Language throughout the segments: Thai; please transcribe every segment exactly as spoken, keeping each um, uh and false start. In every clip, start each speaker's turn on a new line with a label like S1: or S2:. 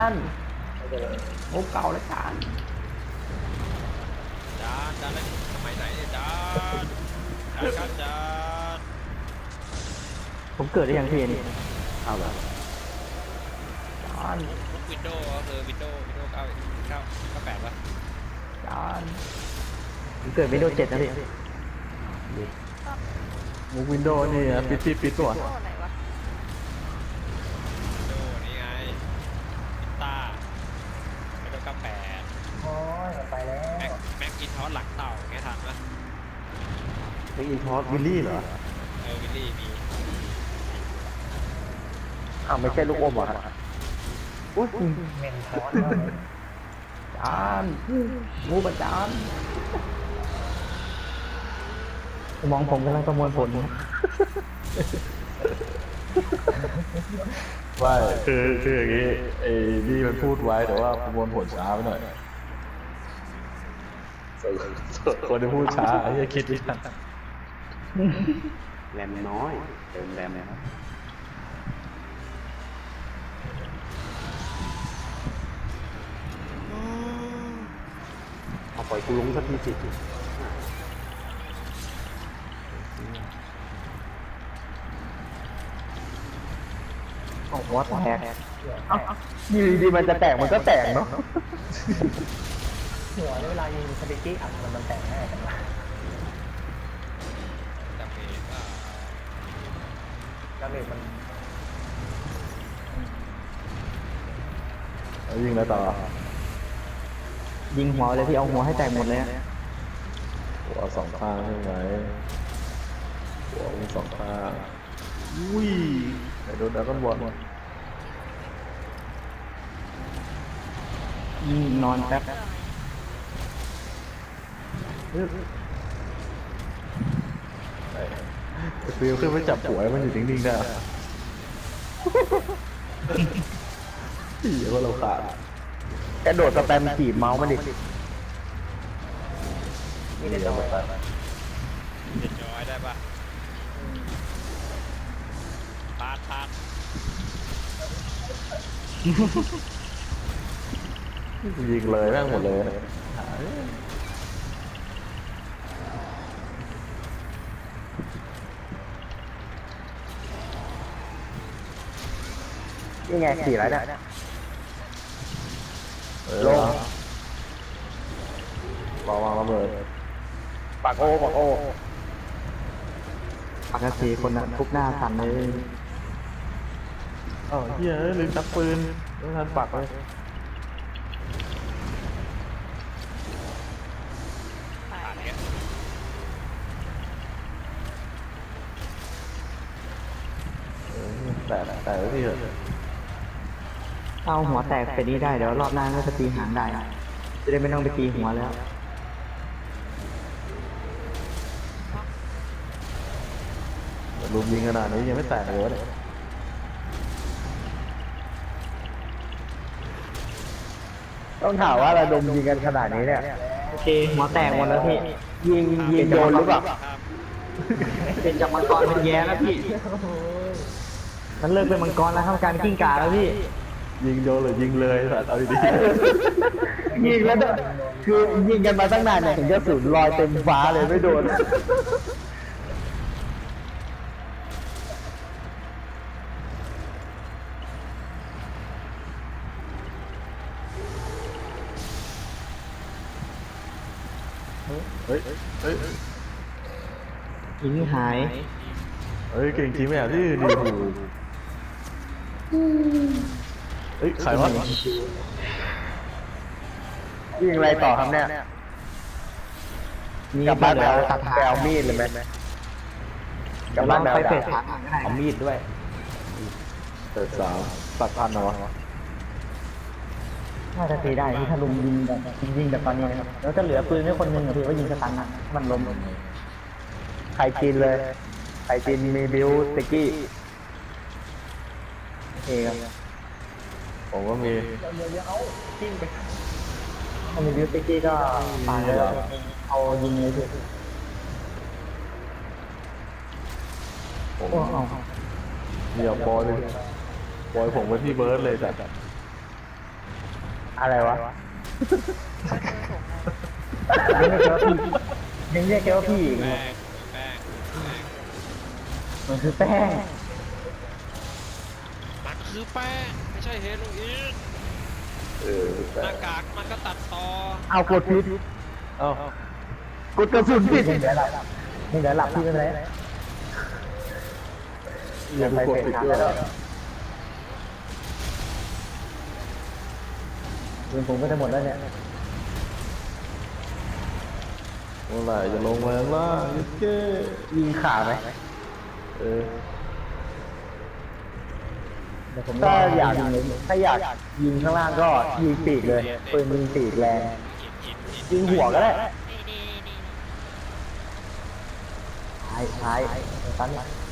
S1: านโอ้เก่าแล้วจาน
S2: จานจานแล้วสมัยไหนเนี่ยจานจานครับจาน
S1: ผมเกิดได้ยังพี่นี่เอาแบบจาน
S2: มุกวินโดว์ก็คือวินโดว์วินโดว์เก้าเก้าเก้าแปดวะ
S1: จานผมเกิดวินโดว์เจ็ดนะพี่
S3: มุกวินโดว์นี่ปิดปิดปิดตัว
S2: วินโดว์นี่ไงวินต้าวินโดว์เก้าแปด
S4: โอ้ยไปแล้ว
S2: แม็กแม็กอินทอสหลังเต่าไงทันปะ
S3: ไออินทอสวิลลี่เหรอ
S2: เออวิลลี่มี
S4: อ้าวไม่ใช่ลูกอมเหรอฮะ
S1: อุ้ย
S4: เมนทอส
S1: จานงูประจานมองผมกำลังประมวลผล
S3: ว่าคือคืออย่างงี้ไอ้นี่มันพูดไว้แต่ว่าประมวลผลช้าไปหน่อยส่วนส่วนคนที่พูดช้าไอ้เหี้ยคิดไม่ทัน
S5: แรมน้อยเติมแรมนะครับเอาปล่อยกูลงสักทีสิ
S1: โอ้โหแตกอยู่ดีๆมันจะแตกมันก็แตกเนาะ
S4: หัวเวลายิงสปิกี้อัดมันมันแตกง่ายจังวะ
S2: จำเองว่า
S4: ดาเมจมัน
S3: แล้วยิงแล้วต่อ
S1: ยิงหัวเลยพี่เอาหัวให้แตกหมดเลยอะ
S3: หัวสองข้างใช่ไหมหัวมีสองข้างอุ้ยไอ้โดนดราก้อนบอล
S1: ยิงนอนแป๊บ
S3: ไอ้ฟิวขึ้นไปจับหัวให้มันอยู่นิ่งๆได้พี่ว่าเราขาด
S1: กระโดดสแปมจีบเมาส์มาดิ
S4: นี่เล่นน้อย
S2: เด็ดย้อยได้ปะพาดพาด
S3: ยิงเลยแม่งหมดเลย
S1: นี่ไงสี่แล้วเนี่ย
S3: ลงรอวางระเบิด
S1: ปากโอปากโอปากสีคนนั้นทุกหน้าสั่นเลย
S3: เอ้าเฮียเอ้ยลืมชักปืนไม่ทันปักเลย
S2: ผ่านเนี้ย
S3: เออแต่แต่ไว้ที่เหอะ
S1: เอาหัวแตกไปนี้ได้เดี๋ยวรอบหน้าก็จะตีหางได้จะได้ไม่ต้องไปตีหัวแล้ว
S3: ลุมยิงขนาดนี้ยังไม่แตกเลยวะเนี่ย
S1: ต้องถามว่าเราดมยิงกันขนาดนี้เนี่ยโอเคหัวแตกหมดแล้วพี่ยิงยิงโดนหรือเปล่า
S2: ครับ
S1: เป็นจากมังกรเป็นแย่แล้วพี่มันเลิกเป็นมังกรแล้วทำการกิ้งก่าแล้วพี่
S3: ยิงโดนหรือยิงเลยสัตว์เอาดี
S1: ยิงแล้วเนี่ยคือยิงกันมาตั้งนานเนี่ยถึงจะสูญลอยเต็มฟ้าเลยไม่โดน
S3: ๆเฮ้ยเฮ้ย
S1: ยิงหาย
S3: เฮ้ยเก่งจริงไหมอ่ะที่ดีหูเฮ้ยใครวะ
S1: ยิงอะไรต่อครับเนี่ยกลับบ้านไปเอาไปเอามีดเลยไหมกลับบ้านไปเอาเอามีดด้วย
S3: เปิดสาวตัดพันเหรอวะ
S1: น่าจะตีได้ที่ถ้าลุมยิงแบบยิงแบบตอนนี้นะครับแล้วจะเหลือปืนไม่คนหนึ่งพี่ว่ายิงสตันนะมันล้มใครกินเลยใครกินมีบิวสกี้โอเคครับ
S3: ผมก็มี
S1: ถ้ามีบิวสกี้ก็ปาเลยเอายิงเลยพี่
S3: ผม
S1: โอ้เอา
S3: เดี๋ยวบอยเลยบอยผมไปที่เบิร์ดเลยแต่
S1: อะไรวะยังเรียกแกว่าพี่ยังเรียกแกว่าพี่อีก
S2: แป้งแป้งแป้ง
S1: มันคือแป้ง
S2: มันคือแป้งไม่ใช่เฮโรอีน
S3: เออ
S2: หน้ากากมันก็ตัดต่อ
S1: เอากดผิด
S3: เอ้าก
S1: ดกระสุนผิดเดี๋ยวหลับนี่เดี๋ยวหลับพี่ไม่เป็นไร
S3: อย่าไปกดติดด้วย
S1: ปืนผมก็จะหมดแล้วเนี่ย
S3: เมื่อไหร่จะลงมาข้างล่างยิเก้
S1: ยิงขาไหม
S3: เออ
S1: ถ้าอยากถ้าอยากยิงข้างล่างก็ยิงปีกเลยปืนยิงปีกแรง
S2: อินอินอิน
S1: ยิงหัวก็ได้ท้ายท้ายตัน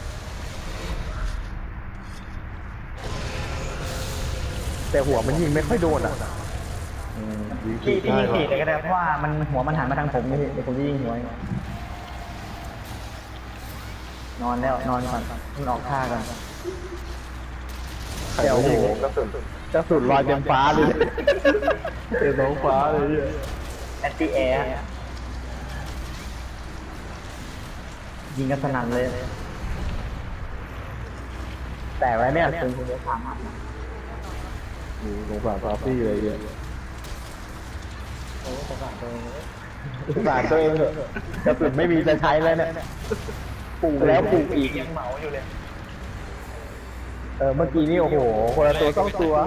S1: แต่หัวมันยิงไม่ค่อยโดนอ่ะ
S3: อืมยิง
S1: พี่
S3: ผิด
S1: พี่
S3: ได้
S1: ยิง
S3: หรอ
S1: ปีกเลยก็ได้เพราะว่ามันหัวมันหันมาทางผมนี่เดี๋ยวผมจะยิงหัว นอนแล้วนอนก่อนมันออกท่ากัน
S3: ใครโอ้โหกระสุนกระสุนลอยเต็มฟ้าเลยเต็มท้องฟ้าเลยเนี่ย
S1: แอนตี้แอร์ยิงกันสนั่นเลย แต่ไว้เนี่ยปืนคุณจะสามารถ
S3: อืมสงสารฟาฟี่เลยเนี่ย
S1: สงสารตัวเองเถอะกระสุนไม่มีจะใช้แล้วเนี่ยปลูกแล้วปลูกอีก
S4: ยังเหมาอยู่เลย
S1: เออเมื่อกี้นี่โอ้โหคนละตัวต้องตัว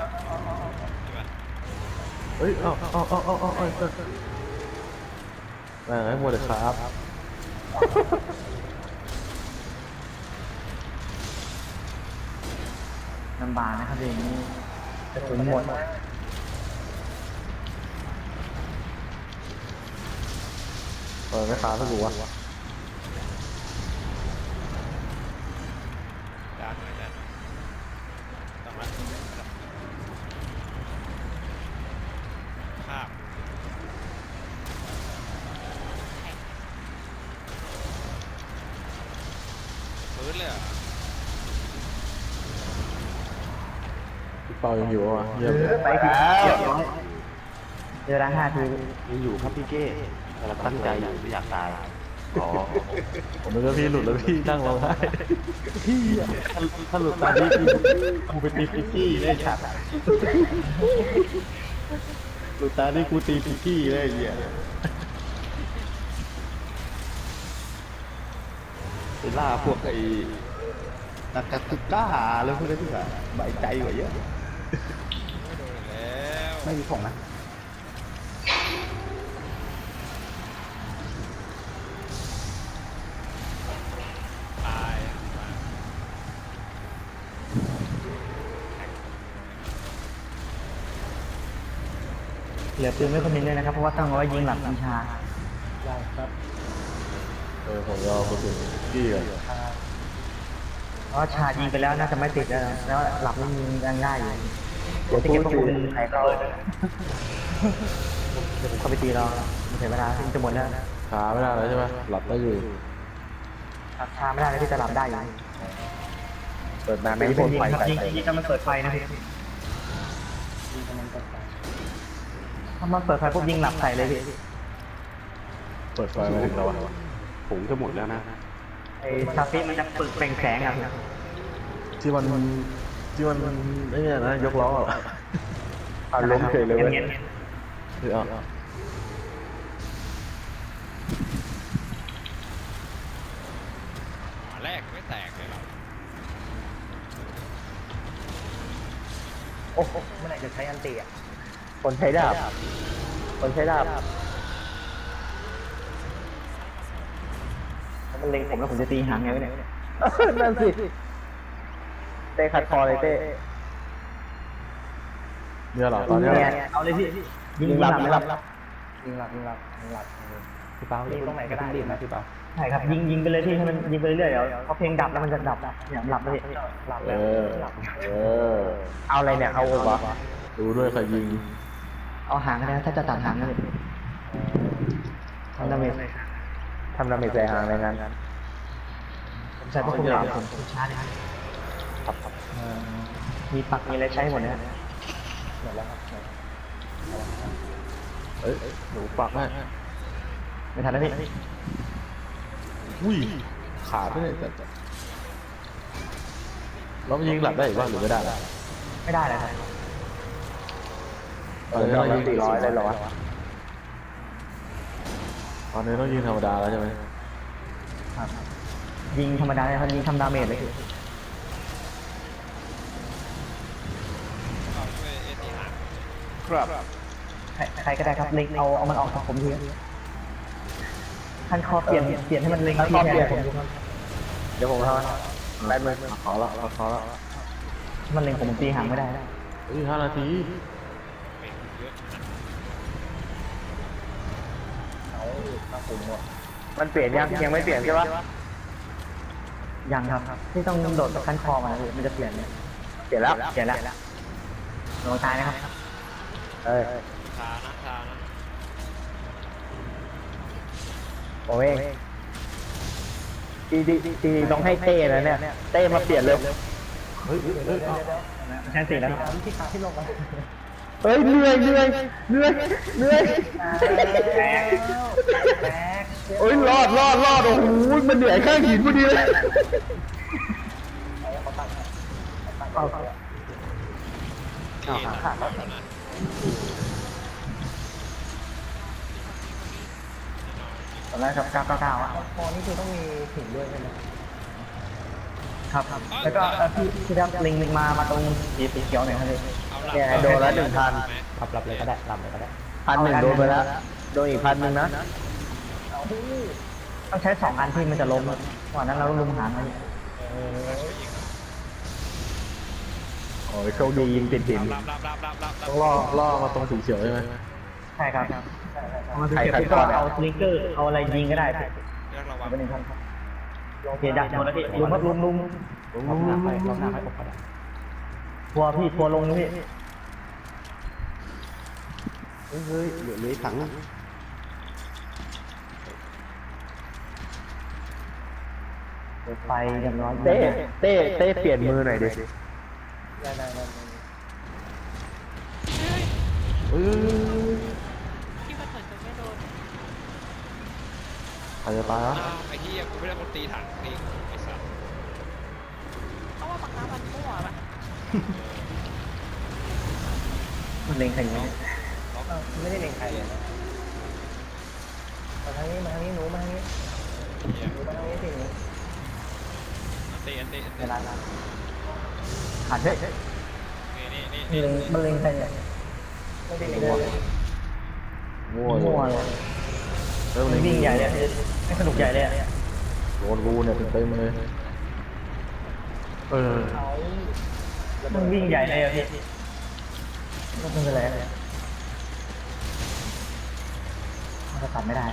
S3: เฮ้ยเอ้าเอ้าเอ้าเอ้าเอ้าเอ้าเอ้าแม่งให้หมดเลยครับ
S1: ลำบากนะครับอย่างนี้กระสุนหมด
S3: เออไม่ค้าสักหัว
S2: ด้านหน่อยด้านหน่อยต้องรัดภาพพื้นเลยเหรอ
S3: พี่เปายังอยู่อ่ะเยี่ยม
S1: ไปทีเรียบร้อยเจอแล้วห้าที
S5: ยังอยู่ครับพี่เก้เราตั้งใจอยู่ไม่อยากตายอ๋อ
S3: ผมนึกว่าพี่หลุดแล้วพี่นั่งร้องไห้
S5: พี่อะถ้าหลุดตาพี่กูไปตีพิกกี้ได้ฉัดหลุดตาที่กูตีพิกกี้ได้เหี้ยไปล่าพวกไอ้นักกาตุก้าแล้วพวกนี้ที่แบบใบใจกว่าเยอะ
S2: ไม่โดนแล้ว
S5: ไม่มีของนะ
S2: ตาย
S1: เหลือปืนไม่คนนึงด้วยนะครับเพราะว่าต้องเอาไว้ยิงหลังวิชา
S4: ได้ครับ
S3: เออผมยอมกระสุนกี้ก่อน
S1: เพราะชายิงไปแล้วน่าจะไม่ติดแล้วแล้วหลับไม่ยิงยังได้อยู่เดี๋ยวจะเก็บปืนใครเข้าเดี๋ยวผมเข้าไปตีรอมันเสียเวลาที่จะหมดแล้ว
S3: ช้าไม่ได้แล้วใช่ไหมหลับได้อยู่
S1: ชาไม่ได้แล้วที่จะหลับได้อยู่
S3: เปิดน้ำ
S1: ไม่
S3: ไม่
S1: ยิ
S3: พ่
S1: ง
S3: นไฟ
S1: ครับ
S3: ใส่
S1: ยิงยิงถ้ามันเปิดไฟนะพี่ถ้ามันเปิดไฟปุ๊บยิงหลับใส่เลยพี่
S3: เปิดไฟมาถึงเราอะ
S5: ผงจะหมดแล้วนะ
S1: ไอ้ซาฟิมันจะเปิดเปล่งแสงอ่ะ
S3: ที่มันที่มันไอ้เนี่ยนะยกล้ออะอ่ะล้มเฉยเลยเว้ย
S1: งี้ย
S3: เดี๋ยวอ่ะ
S2: หัวแรกไม่แตกเลยเหรอ
S1: โอ้โห
S4: เมื่อไหร่จะใช้อันตีอ่ะ
S1: คนใช้ดาบคนใช้ดาบมันเล็งผมแล้วผมจะตีหางไงวะเนี่ยนั่นสิเต้ขัดคอเลยเต้
S3: เนี่ยเหรอตอนเนี้ยเหรอ
S1: เอาเลยพี่ยิงหลับยิงหลับ
S4: ยิงหลับยิงหลับยิงหลับ
S5: พี่เปา
S4: ยิงตรงไหนก็ได้
S5: รีบนะพี่เปา
S1: ใช่ครับยิงยิงไปเลยพี่ให้มันยิงไปเรื่อยๆเดี๋ยวพอเพลงดับแล้วมันจะดับเนี่ยหลับเลย
S4: หลับ
S3: เอ
S4: แล้ว
S3: อ
S4: หลับ
S3: เออ
S1: เอาอะไรเนี่ยเอาวะ
S3: ดูด้วยใครยิง
S1: เอาหางก็ได้ถ้าจะตัดหางก็เลยทำดาเมจทำดาเมจใส่หางในนั้นผมใส่พวกคุณหลับผมช้าเลยครับมีปักมีอะไรใช้หมดเนี่ย
S4: หมดแล้วครับหมด
S3: เอ้ยหนูปักให้
S1: ไม่ทันแล้วพี่
S3: อุ้ยขาดไปเลยแต่แล้วมันยิงหลับได้อีกบ้างหรือไม่ได้ล่ะ
S1: ไม่ได้เลยครับ
S3: ตอนนี้เรายิง
S1: สี่ร้อยเลยเหรอวะ
S3: ตอนนี้ต้องยิงธรรมดาแล้วใช่ไหม
S1: ครับยิงธรรมดาเลยครับยิงทำดาเมจเลยพี่
S2: เอาช่วยเอ็นดีหาง
S5: ครับ
S1: ใครใครก็ได้ครับเล็งเอาเอามันออกจากผมทีท่านคอเปลี่ยนเปลี่ยนให้มันเล็งที่แทนผมดูครับเดี๋ยวผมทำแป๊บนึง
S3: ขอละขอละ
S1: มันเล็งผมผมตีหางไม่ได้นะ
S3: อุ้ยห้านาที
S2: เมงเยอะนะ
S1: มันเปลี่ยนยังยังไม่เปลี่ยนใช่ปะยังครับที่ต้องโดดจากขั้นคอมาเลยมันจะเปลี่ยนเนี่ยเปลี่ยนแล้วเปลี่ยนแล้วลงตายนะครับเอ้ย
S2: ชานะชานะ
S1: ผมเองดีดีดีต้องให้เต้แล้วเนี่ยเต้มาเปลี่ยนเลย
S3: เฮ้ยเฮ้ยเฮ้ยเอา
S1: แทนสี่แล้ว
S4: ที่ขาที่ลงมา
S1: เฮ้ยเหนื่อยเหนื่อยเหนื่อยเหนื่อย
S4: แตกแตก
S1: โอ้ยรอดรอดรอดโอ้โหมันเหนื่อยข้างหินพอดีเลยเอา
S2: เอ็นขาดแล้วนะ
S1: ตอนแรกครับเก้าเก้าเก้าอ่ะ
S4: คอนี่คือต้องมีถึงด้วยใช่ไหม
S1: ครับแล้วก็พี่พี่รับลิงมามาตรงสีสีเขียวหน่อยครับพี่
S2: เอาหลัง
S1: เนี่ยโดนแล้วหนึ่งพัน
S4: รับรับเลยก็ได้รับเลยก็ได้
S1: พันหนึ่งโดนไปแล้วโดนอีกพันหนึ่งนะต้องใช้สองอันที่มันจะล้มก่อนนั้นเราลุมหางมันโอ้ยโชคดียิงติดหิน
S2: รับรับรับรับรับรับ
S3: ต้องล่อล่อมาตรงสีเขียวใช่ไหม
S1: ใช่ครับใครใครก็เอาสลิงเกอร์เอาอะไรยิงก็ได้
S2: เรียกระวัง
S1: เป็นหนึ่งพันเกียร์ดักโดนแล้วพี่ลุมครับลุมลุม
S4: รอบหน้าไปรอบหน้าไปอกก็ได้
S1: ทัวร์พี่ทัวร์ลงนะพี่
S5: เฮ้ยเฮ้ยเหลือเหลือถัง
S1: ไปอย่างน้อยเต้เต้เต้เปลี่ยนมือหน่อยดิ
S4: ได้ได้ได้
S3: เฮ้ย
S6: ที่มันเหมือนจะไม่โดน
S3: ใครจะตายอ่ะ
S2: อ้าวไอ้ที่กูไม่ได้คนตีถังนี่ไอ้สัส
S6: เพราะว่าบางครั้งมันมั่วปะ
S1: มันเล็งใครอยู่
S4: ไม่ได้เล็งใครเลยนะมาทางนี้มาทางนี้หนูมาทางนี้
S2: เหี้ย
S4: หนูมาทางนี้สิหนู
S2: เต้เต้
S1: เว
S2: เต้
S1: ลาขาดเฮ้ย
S2: นี่นี่
S1: นี่
S2: นี่
S1: เล็งมันเล็งใครเนี่ย
S4: ไม่ได้เล็งเลย
S3: มั่ว
S1: มั่ว
S3: เล
S1: เลย ย
S3: เริ่ม
S1: มันวิ่งใหญ่เลยไม่สนุกใหญ่เลย
S3: โดนรูเนี่ยเต็มๆเลยเออ
S4: เขา
S1: มันวิ่งใหญ่เลยอะพี่ก็เป็นอะไรมันจะตัดไม่ได้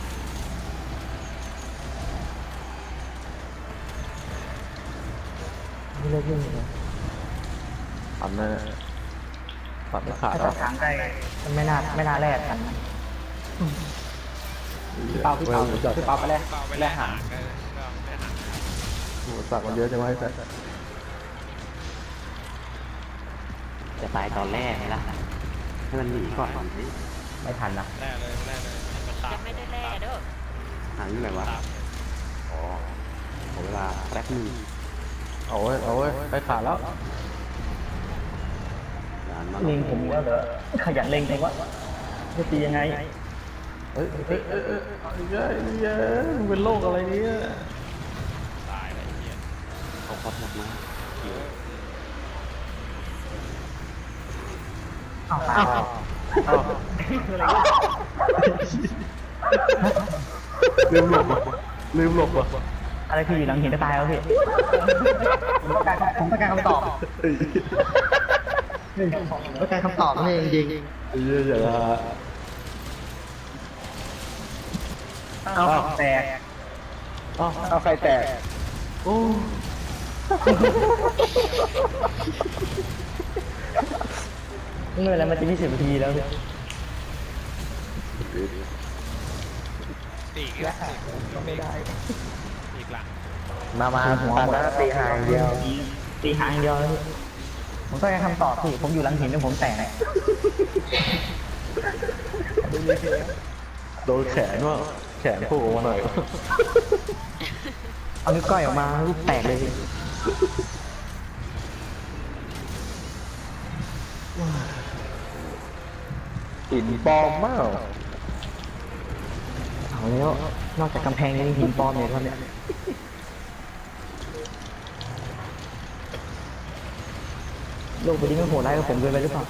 S1: ไม่เลิกวิ่งเลย
S3: ตัดแน่ตัดไม่ขาด
S1: ถ้า
S3: หร
S1: ตั
S3: อ
S1: ดทางได้มันไม่น่าไม่น่าแลกกัน
S4: เปาพี่เปาพี่เปาไปแล้ว
S2: เปล่าไปแลกหางเออก็แลกหาง
S3: โอ้สักมันเยอะจังวะไอ้สัส
S5: จะตายตอนแรกไงล่ะให้มันหนีก่อน
S4: ไม่ทันนะ
S2: แลกเลยแลกเลยมันตาม
S6: ยังไม่ได้แล่เด้อ
S5: หางอยู่ไหนวะ
S2: ตาม
S5: อ๋อขอเวลาแป๊บหนึง
S3: เอาเว้ยเอาเว้ยไปขาดแล้ว
S5: นานมาก
S1: เล็งผมแล้วเหรอขยันเล็งแต่ว่าจะตียังไง
S3: เฮ้ยเฮ้ยเฮ้ยเฮ้ยเอาอีกแล้วอีกแล้วมึงเป็นโรคอะไรเนี่ย
S2: ตายเลยไอ้เหี้ย
S5: เขาพอดหนักมาก
S1: อ้าวตาย
S3: ลืมหลบว่ะลืมหลบว่ะ
S1: อะไรคืออยู่หลังหินจะตายแล้วพี่ผมต้องการผมต้องการคำตอบต้องการคำตอบนี่จริง
S3: ไอ้เหี้ยอย่าละ
S1: ๆเอาแตก
S3: อ้าว
S1: เอาใครแตก
S3: โอ้
S1: ไม่เป็นไรมันจะยี่สิบนาทีแล้วพี่
S2: ตีอีกแล้วก็ไม่ได้อีกหลัง
S1: มามาหัวหมดแล้วตีหางเดียวตีหางเดียวแล้วพี่ผมต้องการคำตอบพี่ผมอยู่หลังหินแล้วผมแตก
S3: โดนแขนว่าแขนโผล่ออกมาหน่อย
S1: เอานิ้วก้อยออกมาลูกแตกเลยพี่
S3: หินปลอมมาก
S1: เอาแล้วนอกจากกำแพงยังมีหินปลอมอยู่ครับเนี่ยโลกใบนี้มันโหดร้ายกับผมเกินไปหรือเปล่า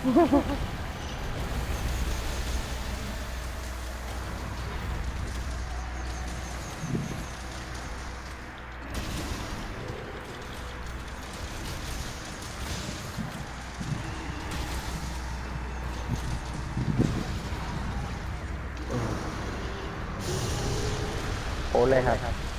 S3: โอ้เลยครับ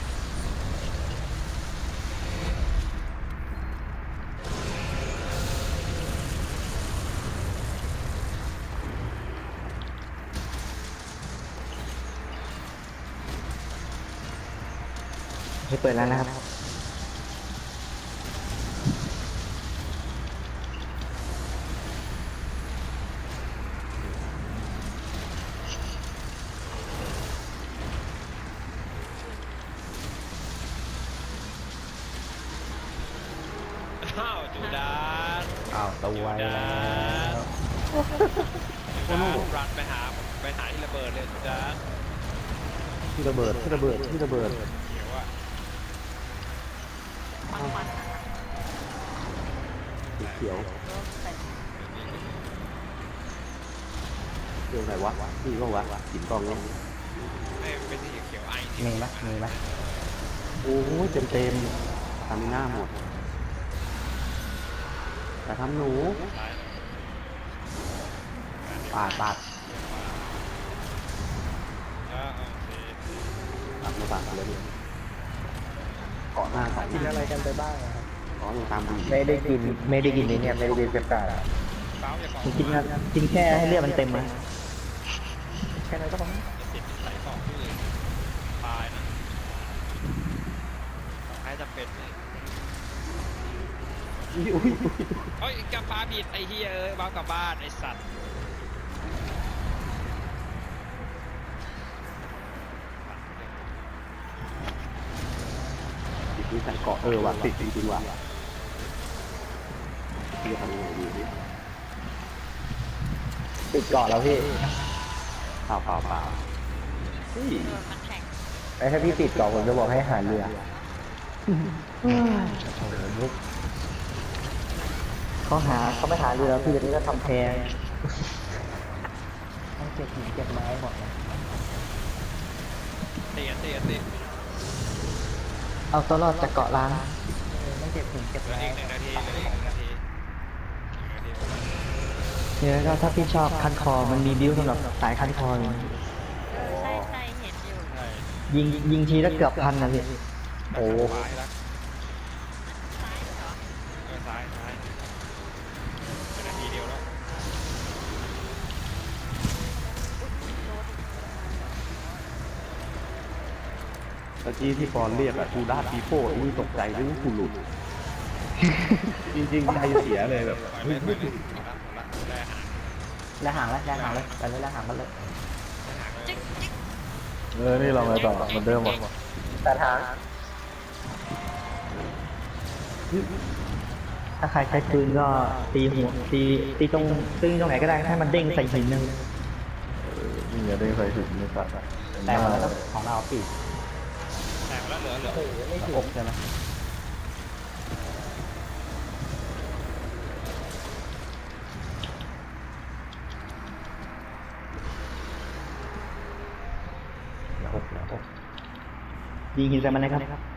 S1: ให้เปิดแล้วนะครับ
S2: อ้าวจูดาน
S4: อ้าวตัว
S2: จู
S4: ไว้
S2: ดา
S4: แล้ว
S2: นจูดานรันไปหาไปหาที่ระเบิดเลยจูดาน
S5: ที่ระเบิดที่ระเบิดที่ระเบิด
S2: เขียวอะ
S6: บางวัน
S5: สีเขียว
S6: โดนใส่
S5: เรื่องอะไรวะนี่ก็วะหินกองเนี่ย
S2: ไม่เป็นสีเขียวไอ
S4: มีไหมมีไหม
S5: โอ้ยเต็มเต็มทำหน้าหมดแต่ทำหนู
S2: ซ้าย
S4: ปาดปาด
S2: แล้วโอเค
S5: ตัดมาตัดเลยเนี่ยเกาะหน้าใส่
S1: กินอะไรกันไปบ้างครับ
S5: เกาะยังตามดู
S1: ไม่ได้กินไม่ได้กินนี่เนี่ยไม่ได้กินเจ็บปาก
S2: เป้าอย่าเกาะ
S1: กินนะกินแค่ให้เลือดมันเต็มนะแค่นั้นก็พอ
S2: จะติดใส่เกาะที่อื่นตายนะให้จะเป็นเลย
S5: อุ้ยอุ้ย
S2: เฮ้ยกลับบ้านผิดไอ้เฮียเอ้ยบ้ากลับบ้านไอ้สัตว์
S5: ติดนี่ใส่เกาะเออว่ะติดจริงๆว่ะจะทำยังไงดีนี่
S1: ติดเกาะแล้วพี่
S5: เปล่าเปล่าเปล่าเฮ้ย
S6: โดนมันแข็ง
S1: ไอ้ถ้าพี่ติดเกาะผมจะบอกให้หาเรือเขาหาเขาไม่หาเรือพี่นี่ก็ทำแพงต้องเก็บหินเก็บไม้หมด
S2: เตียนเตียนเตียน
S1: เอาตัวรอดจากเกาะล้างต้องเก็บหินเก็บ
S2: เหลือ
S1: ไม้
S2: อีกหนึ่งนาทีเหลืออีกหนึ่งนาทีหนึ่งนาที
S1: เนี่ยก็ถ้าพี่ชอบคันคอมันมีบิ้วสำหรับสายคันคออยู่
S6: เออใช่ใช่เห็นอยู่
S2: ใช่
S1: ยิงยิงทีละเกือบพันนะพี่
S2: โอ้ซ้ายละ
S6: ซ้ายเหรอ
S2: เออซ้ายซ้ายเป็นนาทีเดียวแล้ว
S5: ตะกี้ที่ปอนเรียกอะทูด้าปีโป้นี่ตกใจนึกว่ากูหลุด จริงๆใจเสียเลยแบบ
S2: ปล่อยเลยปล่อยเลยหมดละหมดละได้หาง
S4: แล้วห่างแล้วแล้วห่างเลยไปเลยแล้วห่างกันเลย
S2: ได้หางเลย
S6: จิ๊กจิ๊ก
S3: เออ นี่เราไงต่อเหมือนเดิมหมด
S1: แต่ทางถ้าใครใช้ปืนก็ตีหัวตีตีตรงตึงตรงไหนก็ได้ให้มันเด้งใส่หินนึง
S3: เออนี่อย่าได้ใส่หินในสัตว์อะ
S4: แต่มาแล้วของเราปีก
S2: แตกแล้วเหลือเหลือ
S4: อกใช่ไหม
S5: อกแล้วอก
S1: ยิงหินใส่มันนะครับ